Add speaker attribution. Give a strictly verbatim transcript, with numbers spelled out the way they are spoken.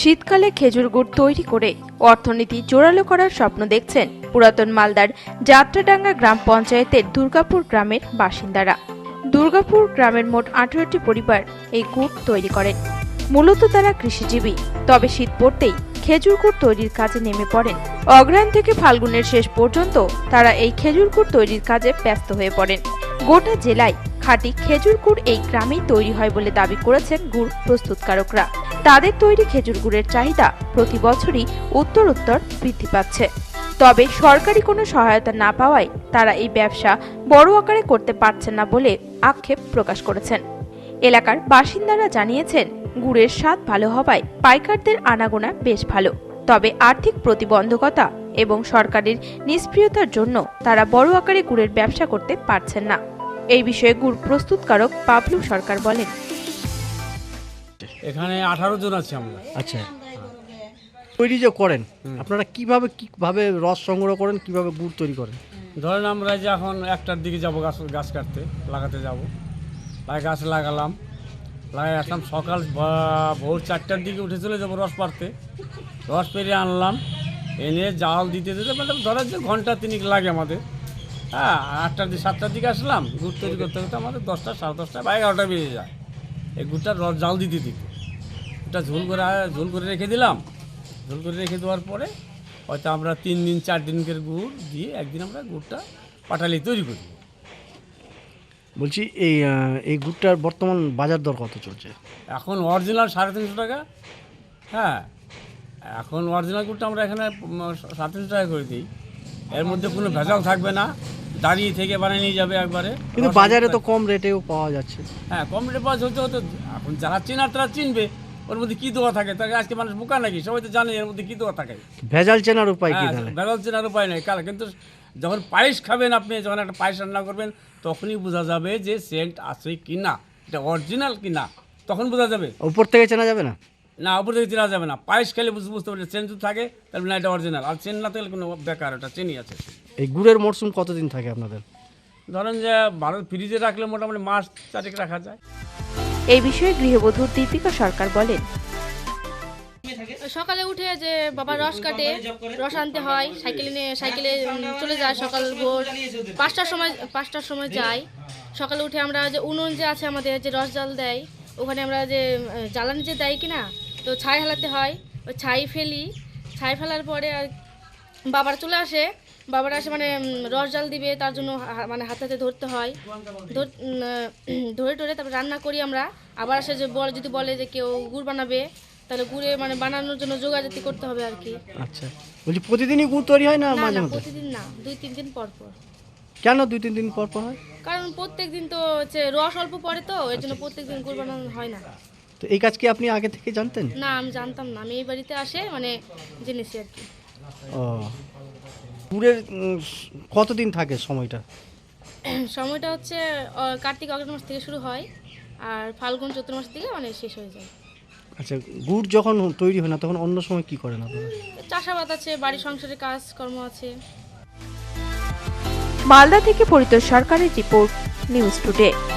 Speaker 1: শীতকালে খেজুর গুড় তৈরি করে অর্থনীতি জোরালো করার স্বপ্ন দেখছেন পুরাতন মালদার যাত্রাডাঙ্গা গ্রাম পঞ্চায়েতের দুর্গাপুর গ্রামের বাসিন্দারা। দুর্গাপুর গ্রামের মোট আঠারোটি পরিবার এই গুড় তৈরি করেন। মূলত তারা কৃষিজীবী, তবে শীত পড়তেই খেজুর গুড় তৈরির কাজে নেমে পড়েন। অগ্রহায়ণ থেকে ফাল্গুনের শেষ পর্যন্ত তারা এই খেজুর গুড় তৈরির কাজে ব্যস্ত হয়ে পড়েন। গোটা জেলায় খাঁটি খেজুর গুড় এই গ্রামেই তৈরি হয় বলে দাবি করেছেন গুড় প্রস্তুতকারকরা। তাদের তৈরি খেজুর গুড়ের চাহিদা প্রতি বছরই উত্তর উত্তর বৃদ্ধি পাচ্ছে। তবে সরকারি কোনো সহায়তা না পাওয়ায় তারা এই ব্যবসা বড় আকারে করতে পারছেন না বলে আক্ষেপ প্রকাশ করেছেন। এলাকার বাসিন্দারা জানিয়েছেন, গুড়ের স্বাদ ভালো হওয়ায় পাইকারদের আনাগোনা বেশ ভালো, তবে আর্থিক প্রতিবন্ধকতা এবং সরকারের নিষ্ক্রিয়তার জন্য তারা বড় আকারে গুড়ের ব্যবসা করতে পারছেন না। এই বিষয়ে গুড় প্রস্তুতকারক পাবলু সরকার বলেন,
Speaker 2: এখানে আঠারো জন আছে আমরা।
Speaker 3: আচ্ছা, তৈরি যে করেন আপনারা কিভাবে কিভাবে রস সংগ্রহ করেন, কিভাবে গুড় তৈরি করেন?
Speaker 2: ধরেন আমরা যে এখন একটার দিকে যাব গাছ গাছ কাটতে লাগাতে যাব, লাগাই গাছ লাগালাম, লাগাই আসলাম সকাল ভোর চারটার দিকে উঠে চলে যাবো রস পাড়তে। রস পেরিয়ে আনলাম, এনে জাল দিতে দিতে মানে ধরেন যে ঘন্টা তিনিক লাগে আমাদের। হ্যাঁ, আটটার দিকে সাতটার দিকে আসলাম, গুড় তৈরি করতে করতে আমাদের দশটা সাড়ে দশটা বা এগারোটা বেজে যায় এই গুড়টা রস জাল দিতে দিতে। ওটা ঝোল করে ঝোল করে রেখে দিলাম। ঝোল করে রেখে দেওয়ার পরে হয়তো আমরা তিন দিন চার দিনকের গুড় দিয়ে একদিন আমরা গুড়টা পাটালি তৈরি করি।
Speaker 3: বলছি এই এই গুড়টার বর্তমান বাজার দর কত চলছে?
Speaker 2: এখন অরিজিনাল সাড়ে তিনশো টাকা। হ্যাঁ, এখন অরিজিনাল গুড়টা আমরা এখানে সাড়ে তিনশো টাকা করে দিই। এর মধ্যে কোনো ভেজাল থাকবে না, দাঁড়িয়ে থেকে বানিয়ে নিয়ে যাবে একবারে।
Speaker 3: কিন্তু বাজারে তো কম রেটেও পাওয়া যাচ্ছে।
Speaker 2: হ্যাঁ, কম রেটে পাওয়া হতে হতো। এখন যারা চেনার তারা চিনবে ওর মধ্যে কী দেওয়া থাকে। তাকে আজকে মানুষ বোকা নাকি, সবাই তো জানে এর মধ্যে কী দেওয়া থাকে।
Speaker 3: ভেজাল চেনার উপায় কি?
Speaker 2: ভেজাল চেনার উপায় নেই কাল, কিন্তু যখন পায়েস খাবেন আপনি, যখন একটা পায়েস রান্না করবেন তখনই বোঝা যাবে যে সেন্ট আছে কি না, এটা অরিজিনাল কি না, তখন বোঝা যাবে।
Speaker 3: উপর থেকে চেনা যাবে না?
Speaker 2: না, উপর থেকে চেনা যাবে না। পায়েস খেলে বুঝতে পারবে চেন যদি থাকে তাহলে না এটা অরিজিনাল, আর চেন না থাকলে কোনো বেকার, ওটা চেনই আছে।
Speaker 3: এই গুড়ের মরশুম কতদিন থাকে আপনাদের?
Speaker 2: ধরেন যে ভারত ফ্রিজে রাখলে মোটামুটি মাস চারেক রাখা যায়।
Speaker 1: এই বিষয়ে গৃহবধূ দীপিকা সরকার বলেন,
Speaker 4: সকালে উঠে যে বাবা রস কাটে, রস আনতে হয়, সাইকেলে নিয়ে সাইকেলে চলে যায় সকাল ভোর পাঁচটার সময় পাঁচটার সময় যাই। সকালে উঠে আমরা যে উনুন যে আছে আমাদের, যে রস জাল দেয়, ওখানে আমরা যে জ্বালানি যে দেয় কিনা, তো ছাই হালাতে হয়। ওই ছাই ফেলি, ছাই ফেলার পরে আর বাবার চলে আসে, বাবারা আসে মানে রস জাল দিবে, তার জন্য মানে হাতে হাতে ধরতে হয়। ধরে ধরে তারপর রান্না করি আমরা। আবার আসে যে বলে, যদি বলে যে কেউ গুড় বানাবে তাহলে গুড়ে মানে বানানোর জন্য যোগাযোগ করতে হবে আর কি।
Speaker 3: আচ্ছা, বলছি প্রতিদিনই গুড় তৈরি হয় না মাঝে মাঝে?
Speaker 4: প্রতিদিন না, দুই তিন দিন পর পর।
Speaker 3: কেন দুই তিন দিন পর পর হয়?
Speaker 4: কারণ প্রত্যেক দিন তো হচ্ছে রস অল্প পড়ে, তো এর জন্য প্রত্যেক দিন গুড় বানানো হয় না।
Speaker 3: তো এই কাজ কি আপনি আগে থেকে জানতেন?
Speaker 4: না, আমি জানতাম না, আমি এই বাড়িতে আসে মানে জেনেছি আর কি।
Speaker 3: ও, গুড়ের কতদিন থাকে সময়টা?
Speaker 4: সময়টা হচ্ছে কার্তিক অগ্রহায়ণ মাস থেকে শুরু হয়, আর ফাল্গুন চৈত্র মাস থেকে মানে শেষ হয়ে যায়।
Speaker 3: আচ্ছা, গুড় যখন তৈরি হয় না তখন অন্য সময় কি করেন আপনারা?
Speaker 4: চাষাবাদ আছে, বাড়ির সংসারের কাজকর্ম আছে।
Speaker 1: মালদা থেকে পরিতোষ সরকারের রিপোর্ট, নিউজ টুডে।